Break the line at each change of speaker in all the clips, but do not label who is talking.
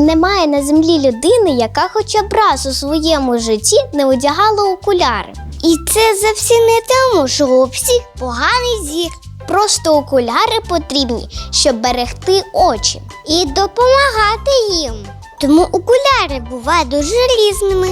Немає на землі людини, яка хоча б раз у своєму житті не одягала окуляри.
І це зовсім не тому, що у всіх поганий зір.
Просто окуляри потрібні, щоб берегти очі.
І допомагати їм. Тому окуляри бувають дуже різними.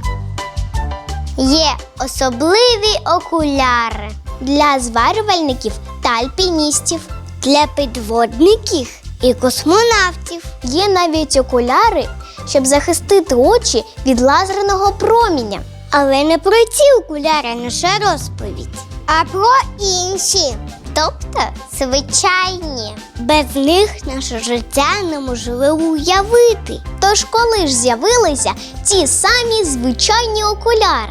Є особливі окуляри
Для зварювальників та альпіністів.
для підводників і космонавтів.
Є навіть окуляри, щоб захистити очі від лазерного проміння.
Але не про ці окуляри наша розповідь, а про інші. Тобто звичайні. Без них наше життя неможливо уявити.
Тож коли ж з'явилися ті самі звичайні окуляри?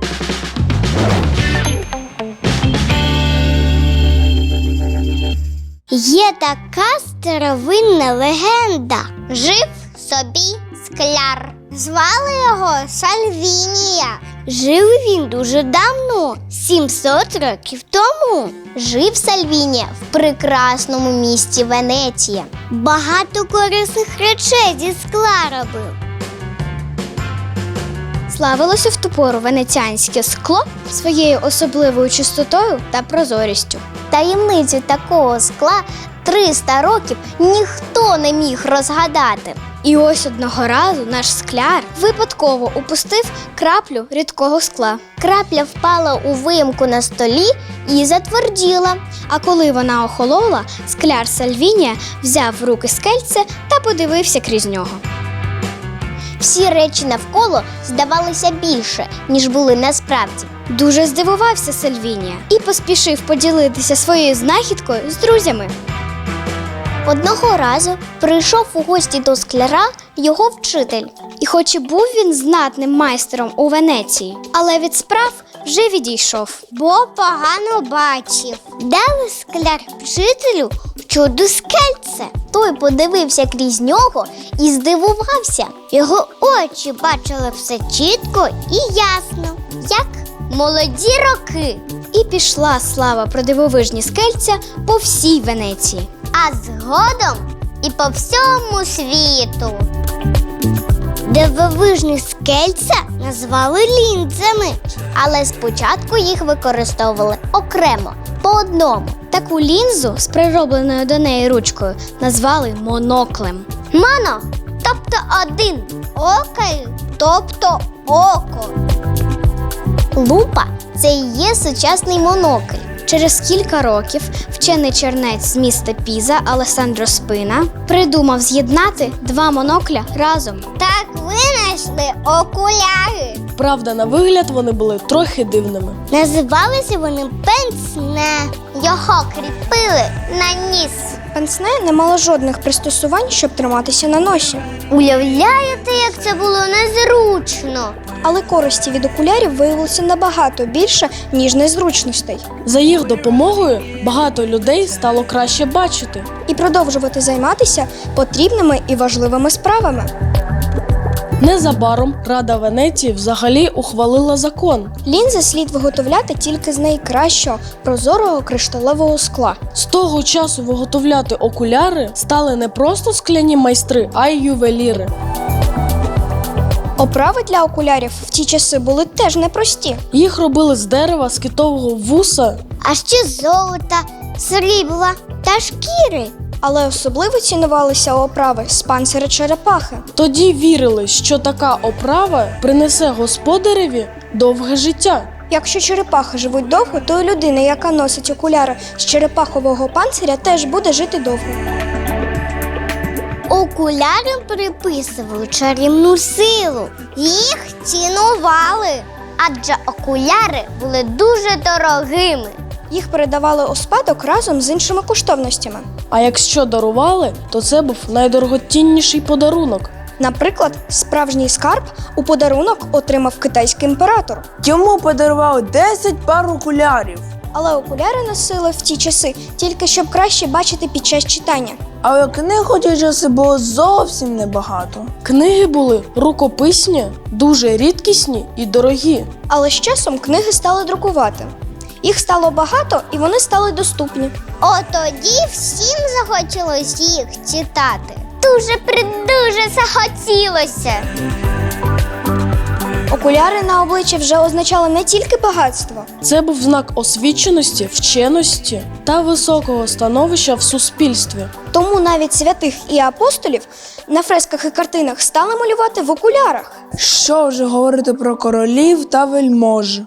Є така старовинна легенда. Жив собі скляр. Звали його Сальвінія. Жив він дуже давно, 700 років тому.
Жив Сальвінія в прекрасному місті Венеція.
Багато корисних речей зі скла робив.
Славилося в ту пору венеціанське скло своєю особливою чистотою та прозорістю. Таємницю такого скла 300 років ніхто не міг розгадати. І ось одного разу наш скляр випадково упустив краплю рідкого скла. Крапля впала у виїмку на столі і затверділа. А коли вона охолола, скляр Сальвінія взяв в руки скельце та подивився крізь нього. Всі речі навколо здавалися більше, ніж були насправді. Дуже здивувався Сальвінія і поспішив поділитися своєю знахідкою з друзями. Одного разу прийшов у гості до скляра його вчитель. І хоч і був він знатним майстером у Венеції, але від справ вже відійшов.
Бо погано бачив. Дали скляр вчителю чудо скельце.
Той подивився крізь нього і здивувався.
Його очі бачили все чітко і ясно, як молоді роки.
І пішла слава про дивовижні скельця по всій Венеції.
А згодом і по всьому світу. Дивовижні скельця назвали лінзами.
Але спочатку їх використовували окремо, по одному. Таку лінзу з приробленою до неї ручкою назвали моноклем.
Моно, тобто один, окей, тобто око.
Лупа – це і є сучасний монокль. Через кілька років вчений чернець з міста Піза Алессандро Спина придумав з'єднати два монокля разом.
Так винайшли окуляри.
Правда, на вигляд вони були трохи дивними.
Називалися вони пенсне. Його кріпили на ніс.
Пенсне не мало жодних пристосувань, щоб триматися на носі.
Уявляєте, як це було незручно?
Але користі від окулярів виявилося набагато більше, ніж незручностей.
За їх допомогою багато людей стало краще бачити.
І продовжувати займатися потрібними і важливими справами.
Незабаром Рада Венеції взагалі ухвалила закон.
Лінзи слід виготовляти тільки з найкращого прозорого кришталевого скла.
З того часу виготовляти окуляри стали не просто скляні майстри, а й ювеліри.
Оправи для окулярів в ті часи були теж непрості.
Їх робили з дерева, з китового вуса.
А ще золота, срібла та шкіри.
Але особливо цінувалися оправи з панциря черепахи.
Тоді вірили, що така оправа принесе господареві довге життя.
Якщо черепахи живуть довго, то і людина, яка носить окуляри з черепахового панциря, теж буде жити довго.
Окулярам приписували чарівну силу. Їх цінували, адже окуляри були дуже дорогими.
Їх передавали у спадок разом з іншими коштовностями.
А якщо дарували, то це був найдорогоцінніший подарунок.
Наприклад, справжній скарб у подарунок отримав китайський імператор.
Йому подарували 10 пар окулярів.
Але окуляри носили в ті часи тільки щоб краще бачити під час читання.
Але книг у ті часи було зовсім небагато.
Книги були рукописні, дуже рідкісні і дорогі.
Але з часом книги стали друкувати. Їх стало багато і вони стали доступні.
От тоді всім захотілося їх читати. дуже захотілося.
Окуляри на обличчі вже означали не тільки багатство.
Це був знак освіченості, вченості та високого становища в суспільстві.
Тому навіть святих і апостолів на фресках і картинах стали малювати в окулярах.
Що вже говорити про королів та вельмож?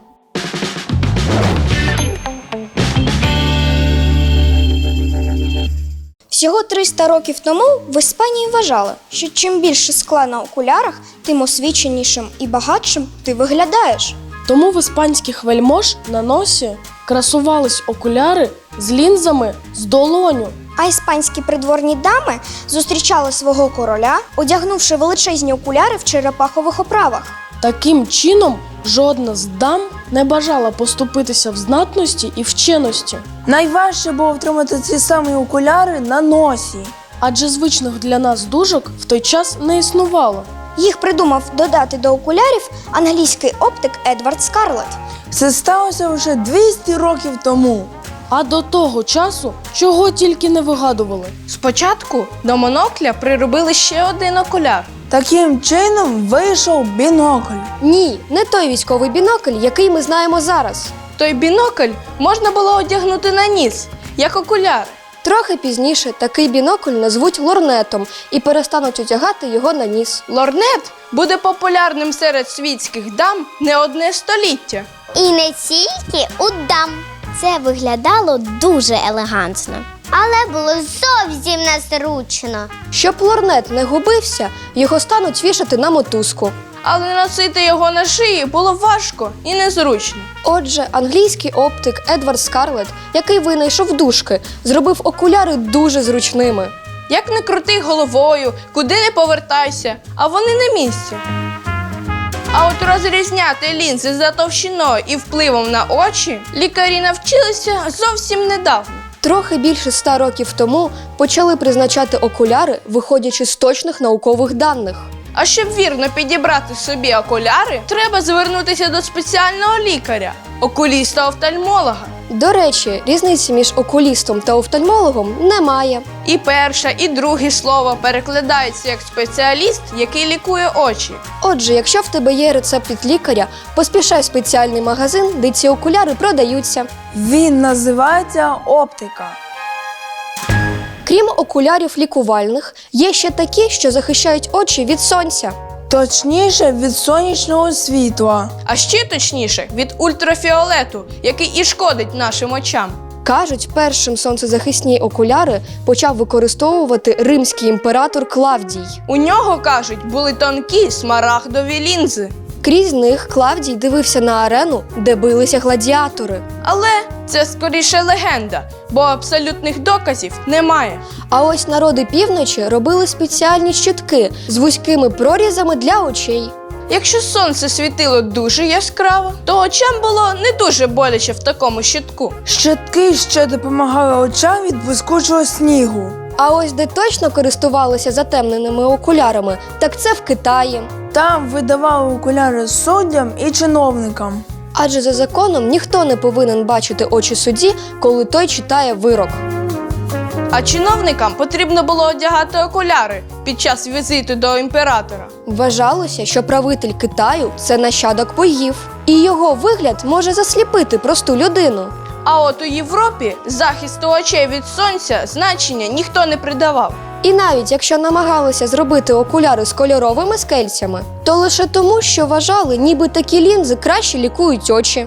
Всього 300 років тому в Іспанії вважали, що чим більше скла на окулярах, тим освіченішим і багатшим ти виглядаєш.
Тому в іспанських вельмож на носі красувались окуляри з лінзами з долоню.
А іспанські придворні дами зустрічали свого короля, одягнувши величезні окуляри в черепахових оправах.
Таким чином, жодна з дам не бажала поступитися в знатності і вченості,
Найважче було втримати ці самі окуляри на носі.
адже звичних для нас дужок в той час не існувало.
Їх придумав додати до окулярів англійський оптик Едвард Скарлетт.
Це сталося вже 200 років тому.
А до того часу чого тільки не вигадували.
Спочатку до монокля приробили ще один окуляр.
Таким чином вийшов бінокль.
Ні, не той військовий бінокль, який ми знаємо зараз.
Той бінокль можна було одягнути на ніс, як окуляр.
Трохи пізніше такий бінокль назвуть лорнетом і перестануть одягати його на ніс.
Лорнет буде популярним серед світських дам не одне століття.
І не тільки у дам. Це виглядало дуже елегантно, але було зовсім незручно.
Щоб лорнет не губився, його стануть вішати на мотузку.
Але носити його на шиї було важко і незручно.
Отже, англійський оптик Едвард Скарлетт, який винайшов дужки, зробив окуляри дуже зручними.
Як не крути головою, куди не повертайся, а вони на місці. А от розрізняти лінзи за товщиною і впливом на очі лікарі навчилися зовсім недавно.
Трохи більше 100 років тому почали призначати окуляри, виходячи з точних наукових даних.
А щоб вірно підібрати собі окуляри, треба звернутися до спеціального лікаря – окуліста-офтальмолога.
До речі, різниці між окулістом та офтальмологом немає.
І перше, і друге слово перекладається як спеціаліст, який лікує очі.
Отже, якщо в тебе є рецепт від лікаря, поспішай в спеціальний магазин, де ці окуляри продаються.
Він називається оптика.
Крім окулярів лікувальних, є ще такі, що захищають очі від сонця.
Точніше, від сонячного світла.
А ще точніше – від ультрафіолету, який і шкодить нашим очам.
Кажуть, першим сонцезахисні окуляри почав використовувати римський імператор Клавдій.
У нього, кажуть, були тонкі смарагдові лінзи.
Крізь них Клавдій дивився на арену, де билися гладіатори.
Але це скоріше легенда, бо абсолютних доказів немає.
А ось народи півночі робили спеціальні щитки з вузькими прорізами для очей.
Якщо сонце світило дуже яскраво, то очам було не дуже боляче в такому щитку.
Щитки ще допомагали очам від блискучого снігу.
А ось де точно користувалися затемненими окулярами, так це в Китаї.
Там видавали окуляри суддям і чиновникам.
Адже за законом ніхто не повинен бачити очі судді, коли той читає вирок.
А чиновникам потрібно було одягати окуляри під час візиту до імператора.
Вважалося, що правитель Китаю – це нащадок богів, і його вигляд може засліпити просту людину.
А от у Європі захисту очей від сонця значення ніхто не придавав.
І навіть якщо намагалися зробити окуляри з кольоровими скельцями, то лише тому, що вважали, ніби такі лінзи краще лікують очі.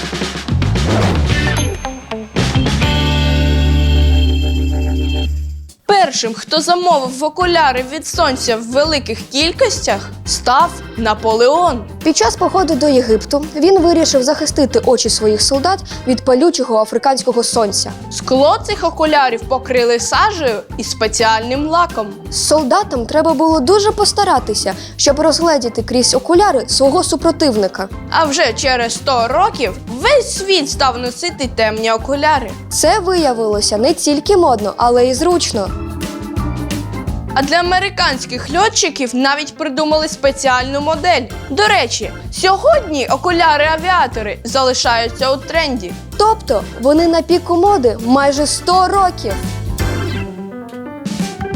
Першим, хто замовив окуляри від сонця в великих кількостях, став Наполеон.
Під час походу до Єгипту він вирішив захистити очі своїх солдат від палючого африканського сонця.
Скло цих окулярів покрили сажею і спеціальним лаком.
Солдатам треба було дуже постаратися, щоб розгледіти крізь окуляри свого супротивника.
А вже через 100 років весь світ став носити темні окуляри.
Це виявилося не тільки модно, але й зручно.
А для американських льотчиків навіть придумали спеціальну модель. До речі, сьогодні окуляри-авіатори залишаються у тренді.
Тобто вони на піку моди майже 100 років.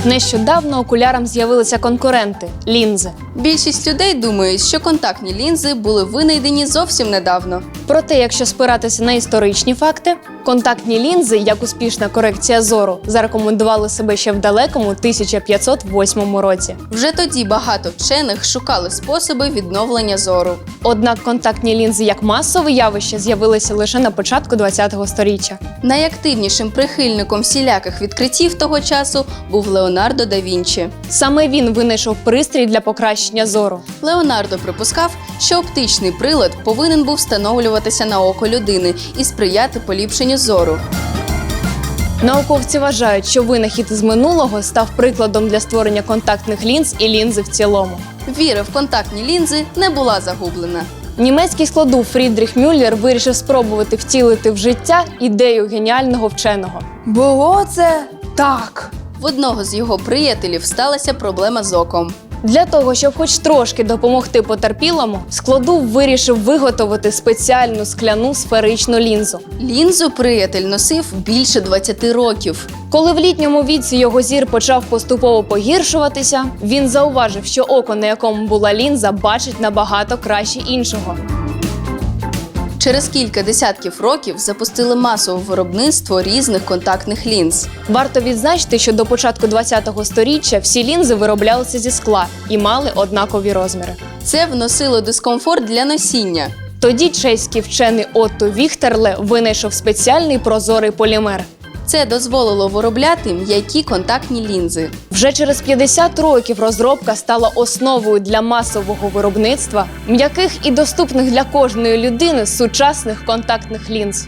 Нещодавно окулярам з'явилися конкуренти – лінзи.
Більшість людей думають, що контактні лінзи були винайдені зовсім недавно.
Проте, якщо спиратися на історичні факти, контактні лінзи, як успішна корекція зору, зарекомендували себе ще в далекому 1508 році.
Вже тоді багато вчених шукали способи відновлення зору.
Однак контактні лінзи як масове явище з'явилися лише на початку ХХ століття.
Найактивнішим прихильником всіляких відкриттів того часу був Леонардо да Вінчі.
Саме він винайшов пристрій для покращення зору.
Леонардо припускав, що оптичний прилад повинен був встановлюватися на око людини і сприяти поліпшенню зору.
Науковці вважають, що винахід із минулого став прикладом для створення контактних лінз і лінзи в цілому.
Віра в контактні лінзи не була загублена.
Німецький складов Фрідріх Мюллер вирішив спробувати втілити в життя ідею геніального вченого.
Було це так.
В одного з його приятелів сталася проблема з оком.
Для того, щоб хоч трошки допомогти потерпілому, складов вирішив виготовити спеціальну скляну сферичну лінзу.
Лінзу приятель носив більше 20 років.
Коли в літньому віці його зір почав поступово погіршуватися, він зауважив, що око, на якому була лінза, бачить набагато краще іншого.
Через кілька десятків років запустили масове виробництво різних контактних лінз.
Варто відзначити, що до початку ХХ століття всі лінзи вироблялися зі скла і мали однакові розміри.
Це вносило дискомфорт для носіння.
Тоді чеський вчений Отто Віхтерле винайшов спеціальний прозорий полімер.
Це дозволило виробляти м'які контактні лінзи.
Вже через 50 років розробка стала основою для масового виробництва м'яких і доступних для кожної людини сучасних контактних лінз.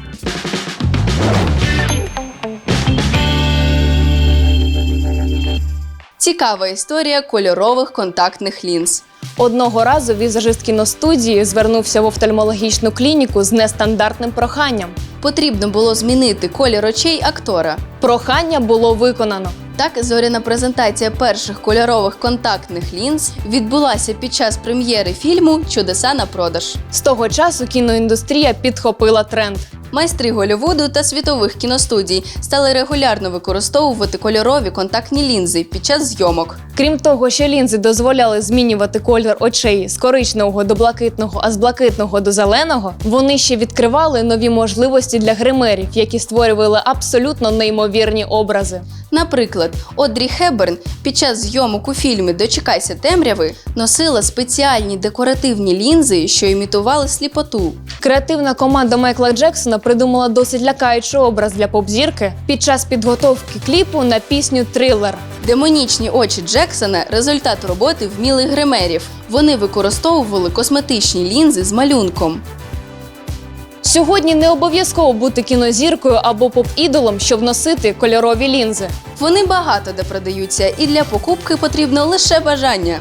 Цікава історія кольорових контактних лінз.
Одного разу візажист кіностудії звернувся в офтальмологічну клініку з нестандартним проханням.
Потрібно було змінити колір очей актора.
Прохання було виконано.
Так, зоряна презентація перших кольорових контактних лінз відбулася під час прем'єри фільму «Чудеса на продаж».
З того часу кіноіндустрія підхопила тренд.
Майстри Голлівуду та світових кіностудій стали регулярно використовувати кольорові контактні лінзи під час зйомок.
Крім того, що лінзи дозволяли змінювати колір очей з коричневого до блакитного, а з блакитного до зеленого, вони ще відкривали нові можливості для гримерів, які створювали абсолютно неймовірні образи.
Наприклад, Одрі Хепберн під час зйомок у фільмі «Дочекайся темряви» носила спеціальні декоративні лінзи, що імітували сліпоту.
Креативна команда Майкла Джексона придумала досить лякаючий образ для поп-зірки під час підготовки кліпу на пісню «Трилер».
Демонічні очі Джексона – результат роботи вмілих гримерів. Вони використовували косметичні лінзи з малюнком.
Сьогодні не обов'язково бути кінозіркою або поп-ідолом, щоб носити кольорові лінзи.
Вони багато де продаються, і для покупки потрібно лише бажання.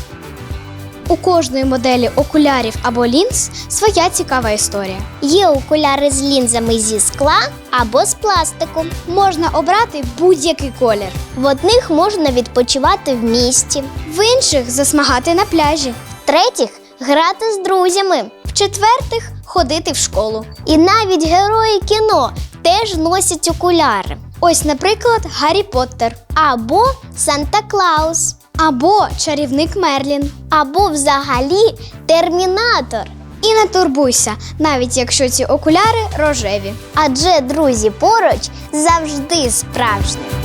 У кожної моделі окулярів або лінз своя цікава історія.
Є окуляри з лінзами зі скла або з пластику.
Можна обрати будь-який колір.
В одних можна відпочивати в місті,
В інших засмагати на пляжі.
в-третіх грати з друзями.
В-четвертих ходити в школу.
І навіть герої кіно теж носять окуляри.
Ось, наприклад, Гаррі Поттер.
Або Санта-Клаус.
Або чарівник Мерлін.
Або взагалі Термінатор.
І не турбуйся, навіть якщо ці окуляри рожеві.
Адже друзі поруч завжди справжні.